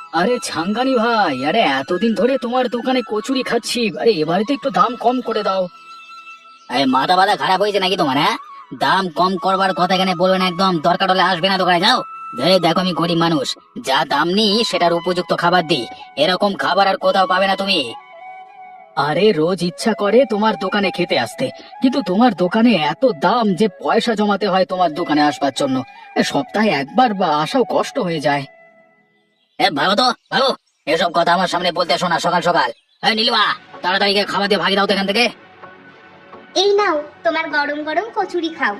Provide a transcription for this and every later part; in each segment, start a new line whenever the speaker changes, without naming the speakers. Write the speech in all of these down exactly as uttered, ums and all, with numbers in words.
আরে ছাঙ্গানি ভাই, আরে এতদিন ধরে তোমার দোকানে কচুরি খাচ্ছি, আরে এবারে তো একটু দাম কম করে দাও।
আরে মাথা বাদা খারাপ হয়েছে নাকি তোমার? হ্যাঁ, দাম কম করবার কথা এখানে বলবে না, একদম দরকার হলে আসবে না দোকানে, যাও। এই দেখো আমি গরিব মানুষ, যা দাম নিই সেটার উপযুক্ত খাবার দিই, এরকম খাবার আর কোথাও পাবে না তুমি।
আরে রোজ ইচ্ছা করে তোমার দোকানে খেতে আসতে, কিন্তু তোমার দোকানে এত দাম যে পয়সা জমাতে হয় তোমার দোকানে আসবার জন্য। এ, সপ্তাহে একবার বা আসাও কষ্ট হয়ে যায়।
এ ভালো তো ভালো, এসব কথা আমার সামনে বলতে শোনা সকাল সকাল। এই নীলিমা, তাড়াতাড়ি গিয়ে খাবার দিয়ে ভাগি দাও তো এখান থেকে।
এই নাও তোমার গরম গরম কচুরি খাও।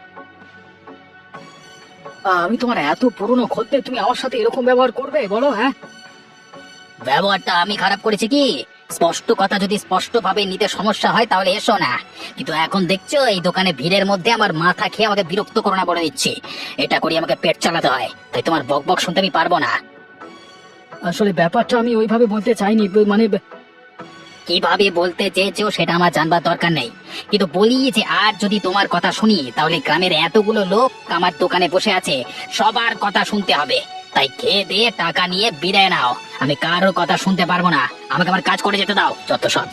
আহ, আমি তোমার এত পুরনো খদ্দের, তুমি আমার সাথে এরকম ব্যবহার করবে বলো? হ্যাঁ,
ব্যবহারটা আমি খারাপ করেছি কি? স্পষ্ট কথা যদি স্পষ্ট ভাবে নিতে সমস্যা হয় তাহলে এসো না, কিন্তু এখন দেখছো এই দোকানে ভিড়ের মধ্যে আমার মাথা খেয়ে আমাকে বিরক্ত করো না বলে দিচ্ছি। এটা করি আমাকে পেট চালাতে হয়, তাই তোমার বক বক শুনতে আমি পারবো না।
আসলে ব্যাপারটা আমি ওইভাবে বলতে চাইনি, মানে
কিভাবে বলতে চেয়েছো সেটা আমার জানবার দরকার নেই, কিন্তু বলি যে আর যদি তোমার কথা শুনি তাহলে গ্রামের এতগুলো লোক আমার দোকানে বসে আছে, সবার কথা শুনতে হবে। তাই খেয়ে দিয়ে টাকা নিয়ে বিদায় নাও, আমি কারোর কথা শুনতে পারবো না, আমাকে আমার কাজ করে যেতে দাও যত সব।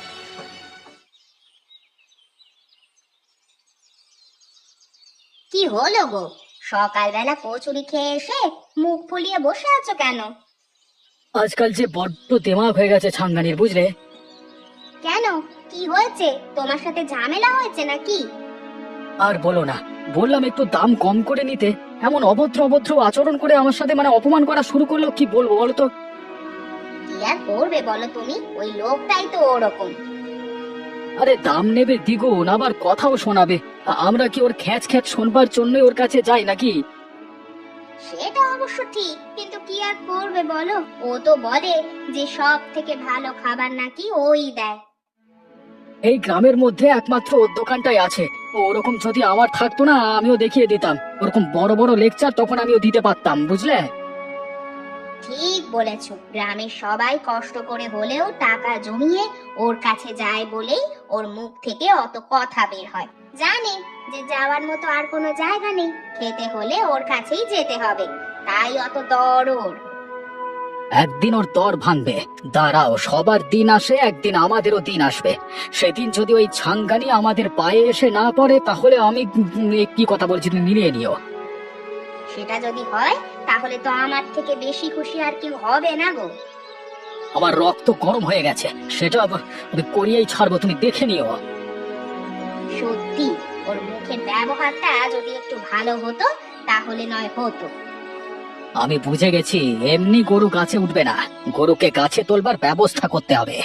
কি হলো গো, সকালবেলা কচুরি খেয়ে এসে মুখ ফুলিয়ে বসে আছো কেন?
আজকাল যে বড্ড দেমাগ হয়ে গেছে ছাঙ্গানির, বুঝলে?
কেন, কি হয়েছে? তোমার সাথে ঝামেলা হয়েছে নাকি?
আর বলো না, বললাম একটু দাম কম করে নিতে, এমন অভদ্র অভদ্র আচরণ করে আমার সাথে মানে অপমান করা শুরু করলো, কি বলবো বলো তো?
কি আর করবে বলো তুমি, ওই লোকটাই তো ওরকম।
আরে দাম নেবে দ্বিগুণ, আবার কথাও শোনাবে। আ- আমরা কি ওর খ্যাচ খ্যাচ শোনবার জন্যই ওর কাছে যাই নাকি?
সেটা অবশ্য ঠিক, কিন্তু কি আর করবে বলো, ও তো বলে যে সব থেকে ভালো খাবার নাকি ওই দেয়।
এই গ্রামের মধ্যে একমাত্র ওর দোকানটাই আছে। ওরকম যদি আমার থাকতো না, আমিও দেখিয়ে দিতাম ওরকম বড় বড় লেকচার, তখন আমিও দিতে পারতাম, বুঝলে?
ঠিক বলেছো, গ্রামের সবাই কষ্ট করে হলেও টাকা জমিয়ে ওর কাছে যায় বলেই ওর মুখ থেকে অত কথা বের হয়। জানে যে যাওয়ার মতো আর কোনো জায়গা নেই, খেতে হলে ওর কাছেই যেতে হবে, তাই অত দরদ।
একদিন ওর দর ভাঙবে, দাঁড়াও, সবার দিন আসে, একদিন আমাদেরও দিন আসবে। সেদিন যদি ওই ছাঙ্গানি আমাদের পায়ে এসে না পড়ে, তাহলে আমি উম, এ কি কথা বলছি তুমি মিলিয়ে নিও।
সেটা যদি হয় তাহলে তো আমার থেকে বেশি খুশি আর কেউ হবে না গো।
আমার রক্ত গরম হয়ে গেছে, সেটা আবার আমি করিয়েই ছাড়বো, তুমি দেখে নিও।
সত্যি ওর মুখের ব্যবহারটা যদি একটু ভালো হতো তাহলে নয় হতো।
আমি বুঝে গেছি, এমনি গরু গাছে উঠবে না, গরুকে গাছে তোলবার ব্যবস্থা করতে হবে।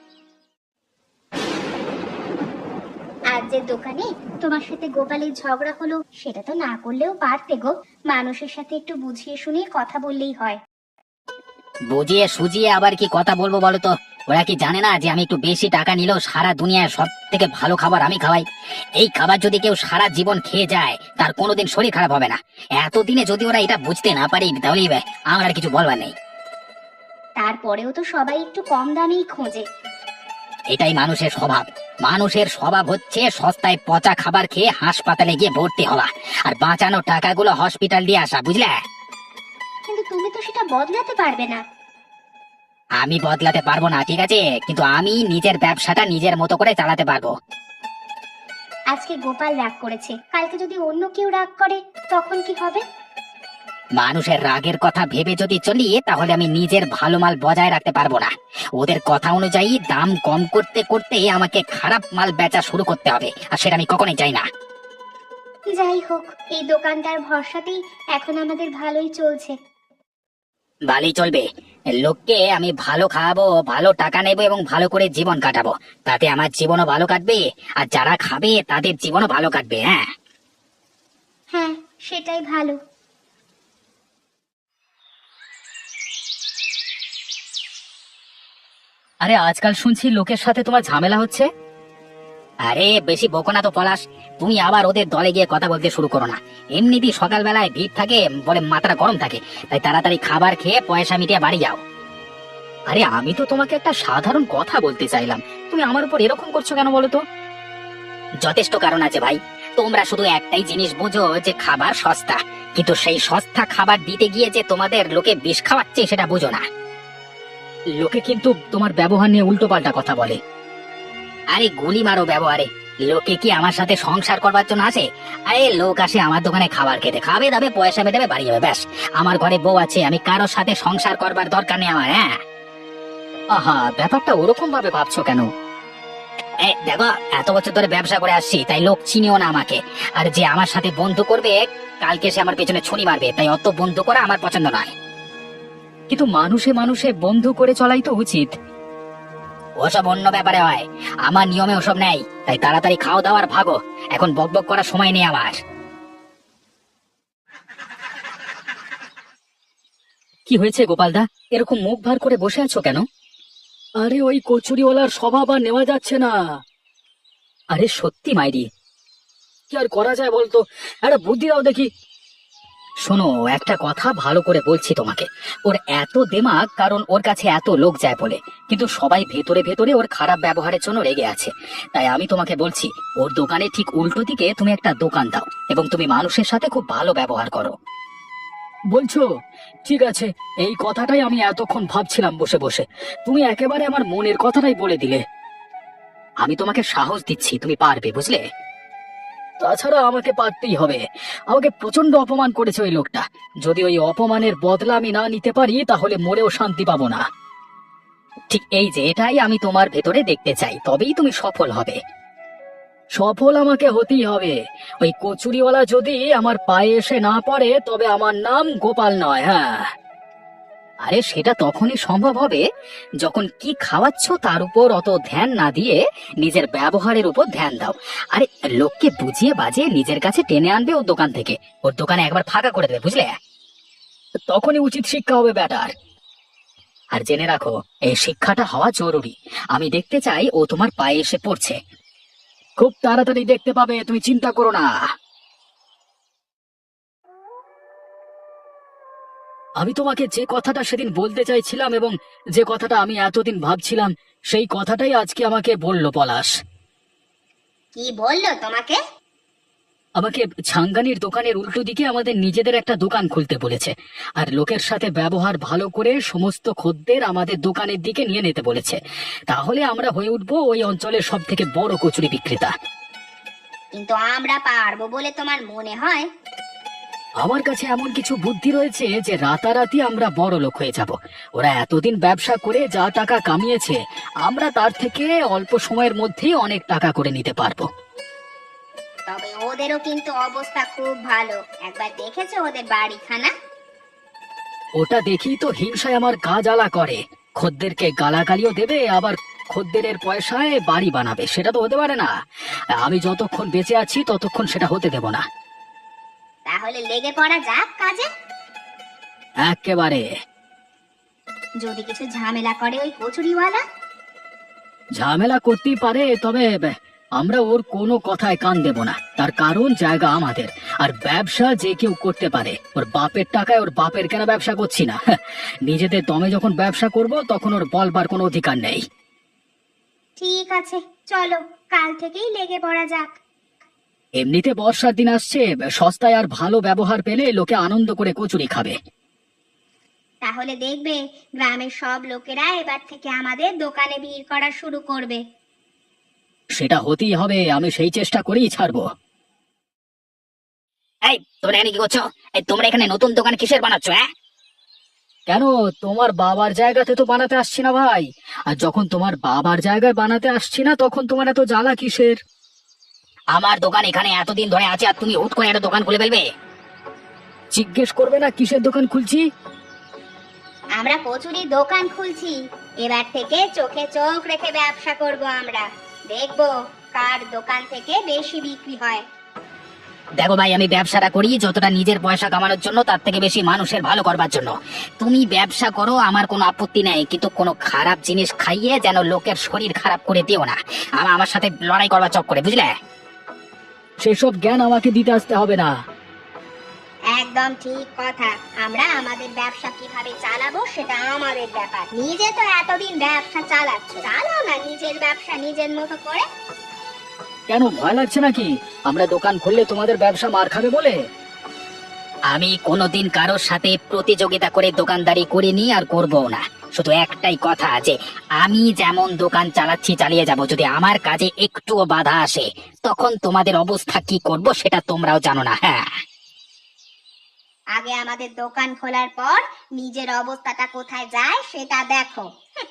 আজ যে দোকানে তোমার সাথে গোপালের ঝগড়া হলো, সেটা তো না করলেও পারতে গো। মানুষের সাথে একটু বুঝিয়ে শুনিয়ে কথা বললেই হয়।
বুঝিয়ে সুজিয়ে আবার কি কথা বলবো বলো তো? ওরা কি জানে না যে আমি একটু বেশি টাকা নিলেও সারা দুনিয়ায় সব থেকে ভালো খাবার আমি খাওয়াই? এই খাবার যদি কেউ সারা জীবন খেয়ে যায় তার কোনোদিন শরীর খারাপ হবে না। এতদিনে যদি ওরা এটা বুঝতে না পারি তাহলে আমার আর কিছু বলবার নেই।
তারপরেও তো সবাই একটু কম দামেই খোঁজে।
এটাই মানুষের স্বভাব। মানুষের স্বভাব হচ্ছে সস্তায় পচা খাবার খেয়ে হাসপাতালে গিয়ে ভর্তি হওয়া, আর বাঁচানো টাকাগুলো হসপিটাল দিয়ে আসা, বুঝলে?
কিন্তু তুমি তো সেটা বদলাতে পারবে না।
আমি বদলাতে পারবো না, ঠিক আছে, কিন্তু আমি নিজের ব্যবসাটা নিজের মতো করে চালাতে পারবো।
আজকে গোপাল রাগ করেছে, কালকে যদি অন্য কেউ রাগ করে তখন কি হবে?
মানুষের রাগের কথা ভেবে যদি চলি তাহলে আমি নিজের ভালো মাল বজায় রাখতে পারবো না। ওদের কথা অনুযায়ী দাম কম করতে করতে আমাকে খারাপ মাল বেচা শুরু করতে হবে, আর সেটা আমি কখনোই চাই না।
যাই হোক, এই দোকানটার ভরসাতেই এখন আমাদের ভালোই চলছে।
ভালোই চলবে। লোককে আমি ভালো খাওয়াবো, ভালো টাকা নেবো এবং ভালো করে জীবন কাটাবো, তাতে আমার জীবনও ভালো কাটবে, আর যারা খাবে তাদের জীবনও ভালো কাটবে। হ্যাঁ,
হ্যাঁ, সেটাই ভালো।
আরে আজকাল শুনছি লোকের সাথে তোমার ঝামেলা হচ্ছে।
আরে বেশি বকো না তো পলাশ, তুমি আবার ওদের দলে গিয়ে কথা বলতে শুরু করো না। এমনিতেই সকালবেলায় ভিড় থাকে বলে মাথাটা গরম থাকে, তাই তাড়াতাড়ি খাবার খেয়ে পয়সা মিটিয়ে বাড়ি যাও।
আরে আমি তো তোমাকে একটা সাধারণ কথা বলতে চাইলাম, তুমি আমার উপর এরকম করছো কেন বলো তো?
যথেষ্ট কারণ আছে ভাই, তোমরা শুধু একটাই জিনিস বোঝো যে খাবার সস্তা, কিন্তু সেই সস্তা খাবার দিতে গিয়ে যে তোমাদের লোকে বিষ খাওয়াচ্ছে সেটা বুঝো না।
লোকে কিন্তু তোমার ব্যবহার নিয়ে উল্টো পাল্টা কথা বলে।
আরে গুলি মারো ব্যবহারে, লোকে কি আমার সাথে সংসার করবার জন্য আসে? আরে লোক আসে আমার দোকানে খাবার খেতে, খাবে দাবে পয়সা মেটাবে বাড়ি যাবে, ব্যাস। আমার ঘরে বউ আছে, আমি কারোর সাথে সংসার করবার দরকার নেই আমার। হ্যাঁ
আহা, ব্যাপারটা ওরকম ভাবে ভাবছো কেন?
এই দেখো, এত বছর ধরে ব্যবসা করে আসছি, তাই লোক চিনিও না আমাকে। আর যে আমার সাথে বন্ধু করবে কালকে সে আমার পেছনে ছুরি মারবে, তাই অত বন্ধু করা আমার পছন্দ নয়।
কিন্তু মানুষে মানুষে বন্ধু করে চলাই তো উচিত।
ওসব অন্য ব্যাপারে হয়, আমার নিয়মে ওসব নেই। তাই তাড়াতাড়ি খাও দাও আর ভাগো, এখন বকবক করার সময় নেই আমার।
কি হয়েছে গোপালদা, এরকম মুখ ভার করে বসে আছো কেন? আরে ওই কচুরিওয়ালার স্বভাব আর নেওয়া যাচ্ছে না। আরে সত্যি মাইরি, কি আর করা যায় বলতো, একটা বুদ্ধি দাও দেখি। শোনো, একটা কথা ভালো করে বলছি তোমাকে, ওর এত দেমাগ কারণ ওর কাছে এত লোক যায় বলে, কিন্তু সবাই ভেতরে ভেতরে ওর খারাপ ব্যবহারের জন্য রেগে আছে। তাই আমি তোমাকে বলছি, ওর দোকানে ঠিক উল্টো দিকে তুমি একটা দোকান দাও এবং তুমি মানুষের সাথে খুব ভালো ব্যবহার করো। বলছো? ঠিক আছে, এই কথাটাই আমি এতক্ষণ ভাবছিলাম বসে বসে। তুমি একেবারে আমার মনের কথাটাই বলে দিলে।
আমি তোমাকে সাহস দিচ্ছি, তুমি পারবে, বুঝলে?
তাছাড়া আমাকে পারতেই হবে। আমাকে প্রচন্ড অপমান করেছে ওই লোকটা। যদি ওই অপমানের বদলা আমি না নিতে পারি তাহলে মরেও শান্তি পাবো না।
ঠিক এই যে এটাই আমি তোমার ভেতরে দেখতে চাই, তবেই তুমি সফল হবে।
সফল আমাকে হতেই হবে। ওই কচুরিওয়ালা যদি আমার পায়ে এসে না পড়ে তবে আমার নাম গোপাল নয়। হ্যাঁ,
আরে সেটা তখনই সম্ভব হবে যখন কি খাওয়াচ্ছ তার উপর অত ধ্যান না দিয়ে নিজের ব্যবহারের উপর ধ্যান দাও। আরে লোককে বুঝিয়ে বাজিয়ে নিজের কাছে টেনে আনবে ওর দোকান থেকে, ওর দোকানে একবার ফাঁকা করে দেবে, বুঝলে?
তখনই উচিত শিক্ষা হবে ব্যাটার।
আর জেনে রাখো, এই শিক্ষাটা হওয়া জরুরি। আমি দেখতে চাই ও তোমার পায়ে এসে পড়ছে।
খুব তাড়াতাড়ি দেখতে পাবে, তুমি চিন্তা করো না। আমি তোমাকে যে কথাটা সেদিন বলতে চাইছিলাম এবং যে কথাটা আমি এতদিন ভাবছিলাম, সেই কথাটাই আজকে আমাকে বললো পলাশ।
কি বললো তোমাকে?
আমাকে ছাঙ্গানির দোকানের উল্টো দিকে আমাদের নিজেদের একটা দোকান খুলতে বলেছে, আর লোকের সাথে ব্যবহার ভালো করে সমস্ত খদ্দের আমাদের দোকানের দিকে নিয়ে নিতে বলেছে। তাহলে আমরা হয়ে উঠবো ওই অঞ্চলের সব থেকে বড় কচুরি বিক্রেতা।
কিন্তু আমরা পারবো বলে তোমার মনে হয়?
আমার কাছে এমন কিছু বুদ্ধি রয়েছে যে রাতারাতি আমরা বড় লোক হয়ে যাব। ওরা এতদিন ব্যবসা করে যা টাকা কামিয়েছে, আমরা তার থেকে অল্প সময়ের মধ্যেই অনেক টাকা করে নিতে পারবো।
তবে ওদেরও কিন্তু অবস্থা খুব ভালো, একবার দেখেছো ওদের বাড়িখানা?
ওটা দেখি তো হিংসায় আমার গা জ্বালা করে। খদ্দেরকে গালাগালিও দেবে, আবার খদ্দেরের পয়সায় বাড়ি বানাবে, সেটা তো হতে পারে না। আমি যতক্ষণ বেঁচে আছি ততক্ষণ সেটা হতে দেব না।
তাহলে লেগে পড়া যাক কাজে।
একেবারে।
যদি কিছু ঝামেলা করে ওই কচুরিওয়ালা?
ঝামেলা করতেই পারে, তবে আমরা ওর কোনো কথায় কান দেব না। তার কারণ জায়গা আমাদের, আর ব্যবসা যে কেউ করতে পারে। ওর বাপের টাকায় ওর বাপের কেন ব্যবসা করছি না? নিজেদের দমে যখন ব্যবসা করব তখন ওর বলবার কোনো অধিকার নেই।
ঠিক আছে, চলো কাল থেকেই লেগে পড়া যাক।
এমনিতে বর্ষার দিন আসছে, সস্তায় আর ভালো ব্যবহার পেলে লোকে আনন্দ করে কচুরি খাবে।
তাহলে দেখবে গ্রামের সব লোকেরা এবার থেকে আমাদের দোকানে ভিড় করা শুরু করবে।
সেটা হতেই হবে, আমি সেই চেষ্টা করেই ছাড়বো।
এই তোমরা এখানে কি করছো? এই তোমরা এখানে নতুন দোকান কিসের বানাচ্ছ? হ্যাঁ,
কেন, তোমার বাবার জায়গাতে তো বানাতে আসছি না ভাই। আর যখন তোমার বাবার জায়গায় বানাতে আসছি না তখন তোমার এত জ্বালা কিসের?
আমার দোকান এখানে এতদিন ধরে আছে আর তুমি হুট করে একটা দোকান খুলে ফেলবে?
জিজ্ঞেস করবে না কিসের দোকান খুলছি?
আমরা কচুরির দোকান খুলছি। এবার থেকে চোখে চোখ রেখে ব্যবসা করব আমরা। দেখবো কার দোকান থেকে বেশি বিক্রি হয়।
দেখো ভাই, আমি ব্যবসাটা করি যতটা নিজের পয়সা কামানোর জন্য, তার থেকে বেশি মানুষের ভালো করবার জন্য। তুমি ব্যবসা করো, আমার কোনো আপত্তি নেই, কিন্তু কোনো খারাপ জিনিস খাইয়ে যেন লোকের শরীর খারাপ করে দিও না। আমার আমার সাথে লড়াই করবার চক করে, বুঝলে?
সেসব জ্ঞান আমাকে দিতে আসতে হবে না।
একদম ঠিক কথা। আমরা আমাদের ব্যবসা কিভাবে চালাবো সেটা আমাদের ব্যাপার। নিজে তো এতদিন ব্যবসা চালাচ্ছ, চালাও না নিজের ব্যবসা নিজের মতো করে।
কেন, ভয় লাগছে নাকি আমরা দোকান খুললে তোমাদের ব্যবসা মার খাবে বলে?
আমি কোনোদিন কারোর সাথে প্রতিযোগিতা করে দোকানদারি করিনি আর করবো না। শুধু একটাই কথা, যে আমি যেমন দোকান চালাচ্ছি চালিয়ে যাব, যদি আমার কাজে একটুও বাধা আসে তখন তোমাদের অবস্থা কি করব সেটা তোমরাও জানো না। হ্যাঁ,
আগে আমাদের দোকান খোলার পর নিজের অবস্থাটা কোথায় যায় সেটা দেখো। হুঁ।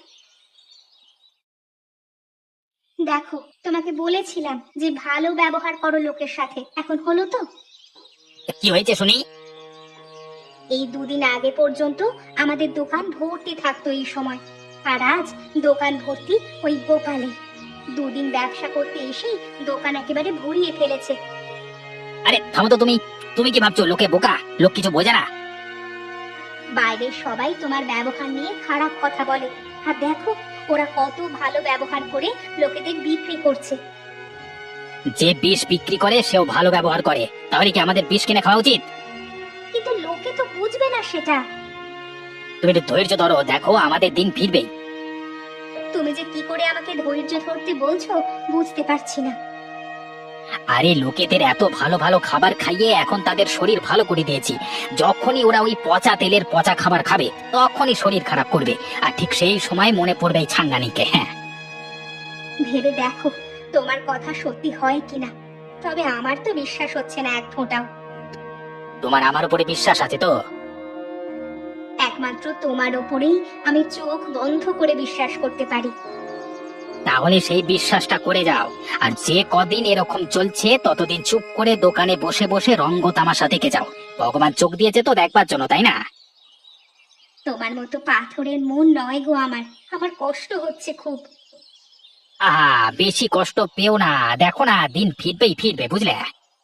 দেখো, তোমাকে বলেছিলাম যে ভালো ব্যবহার করো লোকের সাথে, এখন হলো তো?
কি হয়েছে শুনি?
এই দুদিন আগে পর্যন্ত আমাদের দোকান ভর্তি থাকতো এই সময়, আর আজ দোকান ভর্তি ওই গোপালে। দুদিন ব্যবসা করতে এসেই দোকান একেবারে ভরিয়ে ফেলেছে।
আরে থামো তো, তুমি তুমি কি ভাবছো লোকে বোকা? লোক কিছু বোঝে না।
বাইরের সবাই তোমার ব্যবহার নিয়ে খারাপ কথা বলে, আর দেখো ওরা কত ভালো ব্যবহার করে লোকেদের বিক্রি করছে।
যে বিষ বিক্রি করে সেও ভালো ব্যবহার করে, তাহলে কি আমাদের বিষ কিনে খাওয়া উচিত?
কিন্তু লোকে তো বুঝবে না সেটা।
তুমি একটু ধৈর্য ধরো, দেখো আমাদের দিন ফিরবেই।
তুমি যে কি করে আমাকে ধৈর্য ধরতে বলছো বুঝতে পারছি না।
আরে লোকেদের এত ভালো ভালো খাবার খাইয়ে এখন তাদের শরীর ভালো করে দিয়েছি। যখনই ওরা ওই পচা তেলের পচা খাবার খাবে তখনই শরীর খারাপ করবে, আর ঠিক সেই সময় মনে পড়বে এই ছাঙ্গানিকে। হ্যাঁ,
ভেবে দেখো তোমার কথা সত্যি হয় কিনা। তবে আমার তো বিশ্বাস হচ্ছে না এক ফোঁটাও।
তোমার আমার উপরে বিশ্বাস আছে তো?
একমাত্র তোমার ওপরেই আমি চোখ বন্ধ করে বিশ্বাস করতে পারি।
তাহলে সেই বিশ্বাসটা করে যাও, আর যে কদিন এরকম চলছে ততদিন চুপ করে দোকানে বসে বসে রঙ্গ তামাশা দেখে যাও। ভগবান চোখ দিয়েছে তো দেখবার জন্য, তাই না?
তোমার মতো পাথরের মন নয় গো আমার, আমার কষ্ট হচ্ছে খুব।
আহা, বেশি কষ্ট পেও না, দেখো না দিন ফিরবেই ফিরবে, বুঝলে?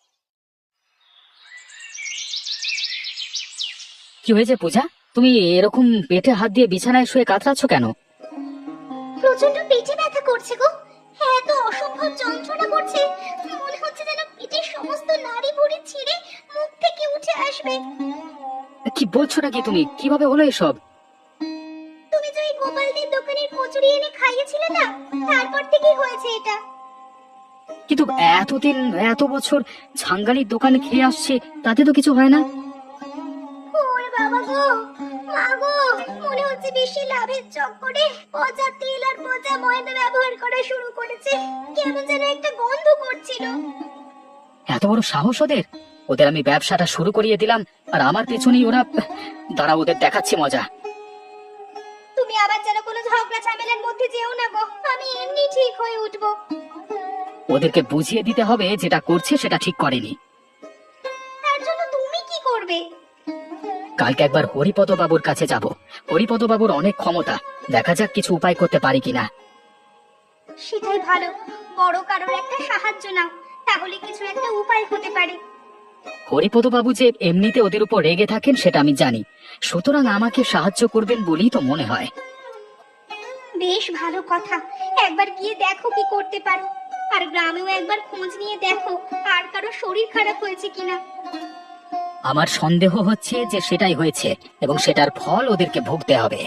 কি হয়েছে পূজা, তুমি এরকম পেটে হাত দিয়ে বিছানায় শুয়ে কাতরাচ্ছ কেন?
প্রচন্ড পেটে ব্যথা করছে গো। হ্যাঁ, তো অসম্ভব যন্ত্রণা করছে, মনে হচ্ছে যেন পেটের সমস্ত নাড়ি ভুঁড়ি ছিঁড়ে মুখ থেকে উঠে আসবে।
কি বলছো নাকি তুমি? কিভাবে হলো এসব?
তুমি যে ওই গোপালদের দোকানের কচুরি এনে খাইয়েছিলে না, তারপর থেকেই হয়েছে এটা।
কিন্তু এতদিন এত বছর ছাঙ্গানির দোকানে খেয়ে আসছে, তাতে তো কিছু হয় না।
ওরে বাবা গো, মা গো, মনে হচ্ছে বেশি লাভের চক্করে পচা তেল আর পচা ময়দা ব্যবহার করা শুরু করেছে। কেমন যেন একটা গন্ধ করছিল।
এত বড় সাহস ওদের! ওদের আমি ব্যবসাটা শুরু করিয়ে দিলাম, আর আমার পেছনেই ওরা। দাঁড়া, ওদের দেখাচ্ছি মজা।
তুমি আবার যেন কোনো ঝগড়া ঝামেলার মধ্যে যেও না গো, আমি এমনি ঠিক হয়ে উঠবো।
ওদেরকে বুঝিয়ে দিতে হবে যেটা করছে সেটা ঠিক করেনি।
তার জন্য তুমি কি করবে?
কালকে একবার হরিপদ বাবুর কাছে যাব। হরিপদ বাবুর অনেক ক্ষমতা, দেখা যাক কিছু উপায় করতে পারি কিনা।
সেটাই ভালো, বড় কারোর একটা সাহায্য নাও, তাহলে কিছু একটা উপায় হতে পারে।
হরিপদ বাবু যে এমনিতে ওদের উপর রেগে থাকেন সেটা আমি জানি, সুতরাং আমাকে সাহায্য করবেন বলেই তো মনে হয়।
বেশ ভালো কথা, একবার গিয়ে দেখো কি করতে পারো। আর গ্রামেও একবার খোঁজ নিয়ে দেখো আর কারো শরীর খারাপ হয়েছে কিনা।
আমার সন্দেহ হচ্ছে যে সেটাই হয়েছে, এবং সেটার ফল ওদেরকে ভুগতে হবে।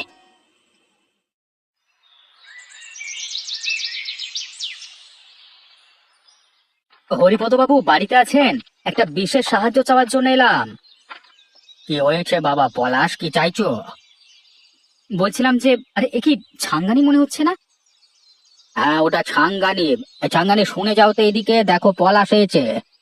হরিপদ বাবু বাড়িতে আছেন? একটা বিশেষ সাহায্য চাওয়ার জন্য এলাম। কি হয়েছে বাবা পলাশ, কি চাইছো? বলছিলাম যে, আরে এ কি ছাঙ্গানি মনে হচ্ছে না? হ্যাঁ, ওটা ছাঙ্গানি। এ, ছাঙ্গানি শুনে যাও তো, এদিকে দেখো পলাশ এসেছে।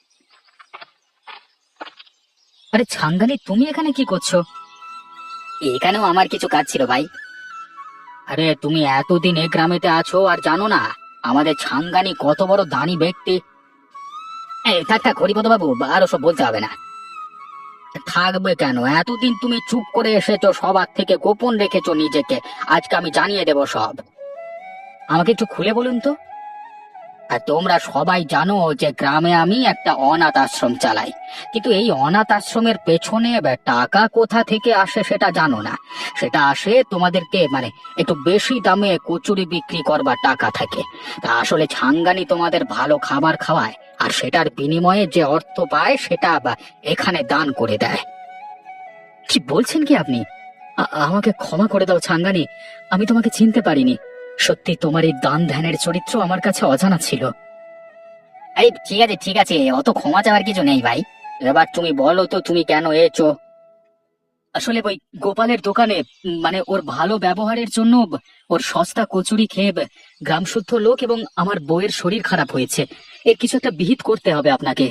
আরে ছাঙ্গানি, তুমি এখানে কি করছো?
এখানেও আমার কিছু কাজ ছিল ভাই।
আরে তুমি এতদিন এ গ্রামেতে আছো আর জানো না আমাদের ছাঙ্গানি কত বড় দানি ব্যক্তি?
এই থাক থাক হরিপদ বাবু, আর ওসব বলতে হবে না।
থাকবে কেন? এতদিন তুমি চুপ করে এসেছো, সবার থেকে গোপন রেখেছো নিজেকে। আজকে আমি জানিয়ে দেব সব। আমাকে একটু খুলে বলুন তো। আর তোমরা সবাই জানো যে গ্রামে আমি একটা অনাথ আশ্রম চালাই, কিন্তু এই অনাথ আশ্রমের পেছনে বে- টাকা কোথা থেকে আসে সেটা জানো না। সেটা আসে তোমাদেরকে মানে একটু বেশি দামে কচুরি বিক্রি করবার টাকা থাকে। তা আসলে ছাঙ্গানি তোমাদের ভালো খাবার খাওয়ায়, আর সেটার বিনিময়ে যে অর্থ পায় সেটা বা এখানে দান করে দেয়। কি বলছেন কি আপনি? আ- আমাকে ক্ষমা করে দাও ছাঙ্গানি, আমি তোমাকে চিনতে পারিনি। সত্যি তোমার এই দান ধ্যানের চরিত্র আমার কাছে অজানা ছিল।
এই ঠিক আছে ঠিক আছে, অত ক্ষমা চাওয়ার কিছু নেই ভাই।
এবার তুমি বলো তো তুমি কেন এসো? আসলে ওই গোপালের দোকানে উম, মানে ওর ভালো ব্যবহারের জন্য ওর সস্তা কচুরি খেয়ে গ্রাম শুদ্ধ লোক এবং আমার বউয়ের শরীর খারাপ হয়েছে। এর কিছু একটা বিহিত করতে হবে আপনাকে।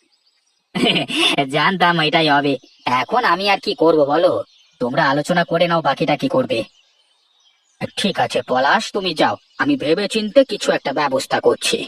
জানতাম এটাই হবে। এখন আমি আর কি করব বলো? তোমরা আলোচনা করে নাও বাকিটা কি করবে।
ঠিক আছে পলাশ, তুমি যাও, আমি ভেবে চিন্তে কিছু একটা ব্যবস্থা করছি।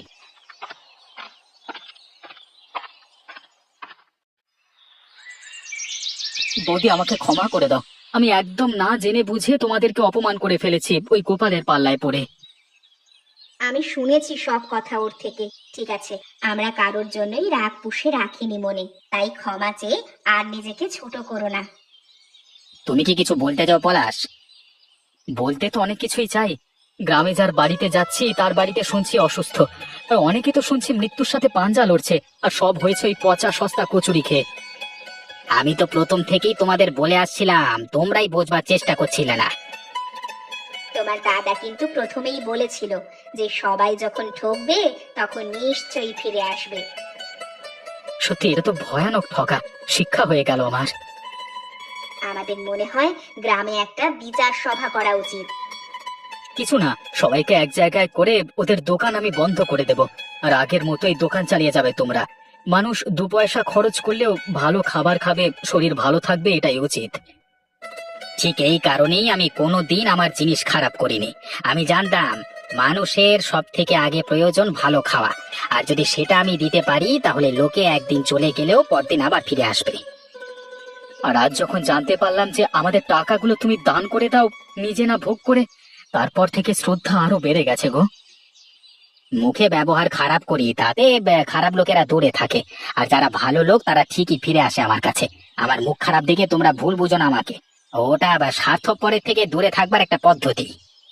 বৌদি, আমাকে ক্ষমা করে দাও, আমি একদম না জেনে বুঝে তোমাদেরকে অপমান করে ফেলেছি ওই গোপালের পাল্লায় পড়ে।
আমি শুনেছি সব কথা ওর থেকে। ঠিক আছে, আমরা কারোর জন্যই রাগ পুষে রাখিনি মনে, তাই ক্ষমা চেয়ে আর নিজেকে ছোট করো না।
তুমি কি কিছু বলতে চাও পলাশ?
বলতে তো অনেক কিছুই চাই। গ্রামে যার বাড়িতে যাচ্ছি তার বাড়িতে শুনছি অসুস্থ, আর অনেকে তো শুনছি মৃত্যুর সাথে পাঞ্জা লড়ছে, আর সব হয়েছে ওই পচা সস্তা কচুরি খেয়ে।
আমি তো প্রথম থেকেই তোমাদের বলে আসছিলাম, তোমরাই বোঝবার চেষ্টা করছিলে না।
তোমার দাদা কিন্তু প্রথমেই বলেছিল যে সবাই যখন ঠকবে তখন নিশ্চয়ই ফিরে আসবে।
সত্যি এটা তো ভয়ানক ঠকা, শিক্ষা হয়ে গেল আমার।
আমাদের মনে হয় গ্রামে একটা বিচার সভা করা উচিত।
কিছু না, সবাইকে এক জায়গায় করে ওদের দোকান আমি বন্ধ করে দেব, আর আগের মতোই দোকান চালিয়ে যাবে তোমরা। মানুষ দু পয়সা খরচ করলেও ভালো খাবার খাবে, শরীর ভালো থাকবে, এটাই উচিত।
ঠিক এই কারণেই আমি কোনোদিন আমার জিনিস খারাপ করিনি। আমি জানতাম মানুষের সব থেকে আগে প্রয়োজন ভালো খাওয়া, আর যদি সেটা আমি দিতে পারি তাহলে লোকে একদিন চলে গেলেও পরদিন আবার ফিরে আসবে।
আর আজ যখন জানতে পারলাম যে আমাদের টাকাগুলো তুমি দান করে দাও নিজে না ভোগ করে, তারপর থেকে শ্রদ্ধা আরো বেড়ে গেছে গো।
মুখে ব্যবহার খারাপ করি তাতে বে- খারাপ লোকেরা দূরে থাকে, আর যারা ভালো লোক তারা ঠিকই ফিরে আসে আমার কাছে। আমার মুখ খারাপ দেখে তোমরা ভুল বুঝো না আমাকে। ওটা আবার স্বার্থপরের থেকে দূরে থাকবার একটা পদ্ধতি।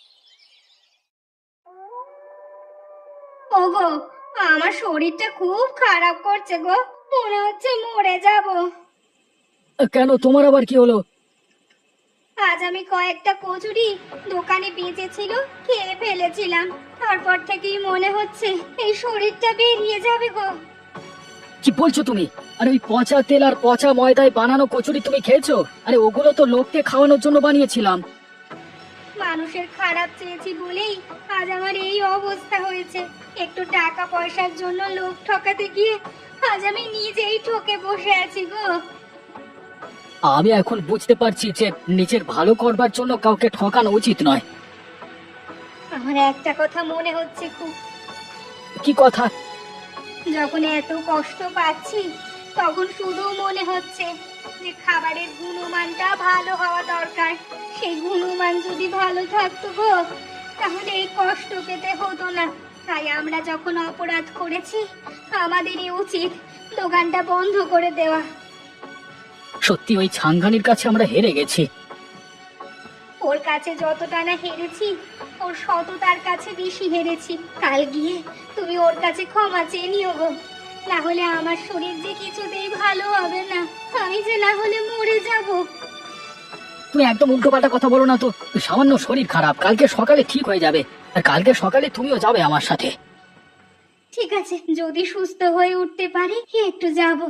ওগো, আমার শরীরটা খুব খারাপ করছে গো, মনে হচ্ছে মরে যাব।
কেন, তোমার আবার কি হলো?
আজ আমি কয়েকটা কচুরি দোকানে বেঁচেছিল খেয়ে ফেলেছিলাম, তারপর থেকেই মনে হচ্ছে এই শরীরটা বেরিয়ে যাবে গো।
কি বলছো তুমি? আরে ওই পচা তেল আর পচা ময়দায় বানানো কচুরি তুমি খেয়েছো? আরে ওগুলো তো লোককে খাওয়ানোর জন্য বানিয়েছিলাম।
মানুষের খারাপ চেয়েছি বলেই আজ আমার এই অবস্থা হয়েছে। একটু টাকা পয়সার জন্য লোক ঠকাতে গিয়ে আজ আমি নিজেই ঠকে বসে আছি গো।
আমি এখন বুঝতে পারছি যে নিজের ভালো করবার জন্য কাউকে ঠকানো উচিত নয়।
আমার একটা কথা মনে হচ্ছে খুব।
কি কথা?
যখন এত কষ্ট পাচ্ছি তখন শুধু মনে হচ্ছে যে খাবারের গুণমানটা ভালো হওয়া দরকার। সেই গুণমান যদি ভালো থাকতো গো তাহলে এই কষ্ট পেতে হতো না। তাই আমরা যখন অপরাধ করেছি আমাদেরই উচিত দোকানটা বন্ধ করে দেওয়া।
সত্যি ওই ছাঙ্গানির কাছে আমরা হেরে গেছি।
ওর কাছে যতটা না হেরেছি ওর সততার কাছে বেশি হেরেছি। কাল গিয়ে তুমি ওর কাছে ক্ষমা চেয়ে নিও গো, না হলে আমার শরীর যে কিছুতেই ভালো হবে না। আমি যে না হলে মরে যাব।
তুমি একদম উল্টো পাল্টা কথা বলো না তো। সামান্য শরীর খারাপ, কালকে সকালে ঠিক হয়ে যাবে, আর কালকে সকালে তুমিও যাবে আমার সাথে।
ঠিক আছে, যদি সুস্থ হয়ে উঠতে পারি একটু যাব।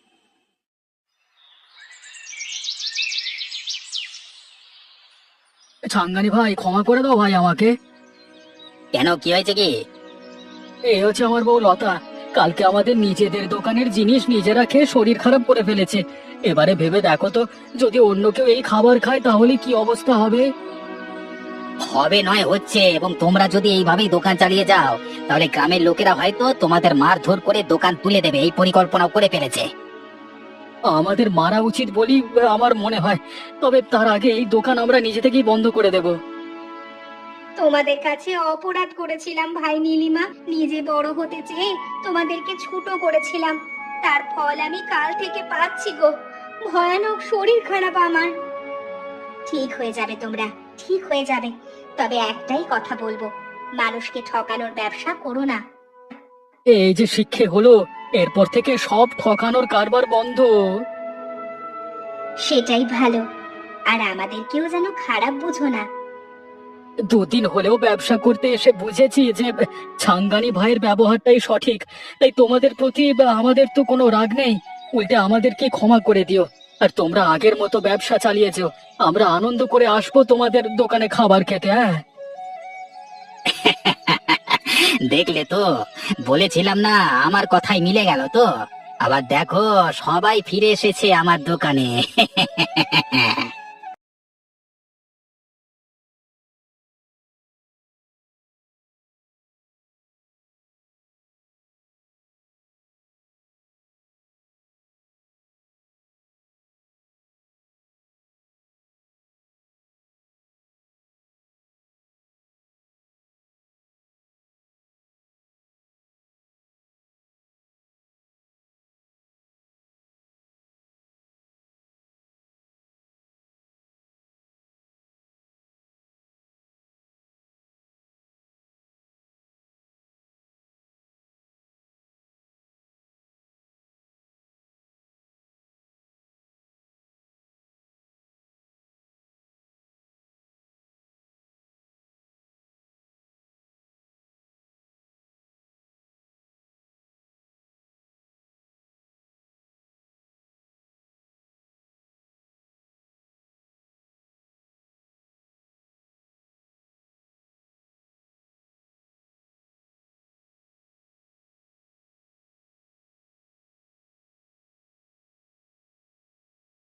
ছাঙ্গানি ভাই, ক্ষমা করে দাও ভাই আমাকে।
কেন, কি হয়েছে কি?
এই হচ্ছে আমার বউ লতা, কালকে আমাদের নিজেদের দোকানের জিনিস নিজেরা খেয়ে শরীর খারাপ করে ফেলেছে। এবারে ভেবে দেখো তো, যদি অন্য কেউ এই খাবার খায় তাহলে কি অবস্থা হবে?
হবে নয় হচ্ছে, এবং তোমরা যদি এইভাবেই দোকান চালিয়ে যাও তাহলে গ্রামের লোকেরা হয়তো তোমাদের মারধর করে দোকান তুলে দেবে, এই পরিকল্পনাও করে ফেলেছে।
আমাদের মারা উচিত বলি আমার মনে হয়, তবে তার আগে এই দোকান আমরা নিজে থেকেই বন্ধ করে দেব।
তোমাদের কাছে অপরাধ করেছিলাম ভাই নীলিমা, নিজে বড় হতে চেয়ে তোমাদেরকে ছোট করেছিলাম। তার ফল আমি কাল থেকে পাচ্ছি গো। ভয়ানক শরীর খারাপ আমার। ঠিক হয়ে যাবে তোমরা, ঠিক হয়ে যাবে। তবে একটাই কথা বলবো, মানুষকে ঠকানোর ব্যবসা করো না।
এই যে শিক্ষে হলো, এরপর থেকে সব ঠকানোর কারবার বন্ধ।
সেটাই ভালো। আর আমাদেরকেও যেন খারাপ বুঝো না।
দুদিন হলেও ব্যবসা করতে এসে বুঝেছি যে ছাঙ্গানি ভাইয়ের ব্যবহারটাই সঠিক, তাই তোমাদের প্রতি আমাদের তো কোনো রাগ নেই। উল্টে আমাদেরকে ক্ষমা করে দিও। আর তোমরা আগের মতো ব্যবসা চালিয়ে যেও। আমরা আনন্দ করে আসবো তোমাদের দোকানে খাবার খেতে। হ্যাঁ,
দেখলে তো, বলেছিলাম না আমার কথাই মিলে গেল তো। আবার দেখো, সবাই ফিরে এসেছে আমার দোকানে।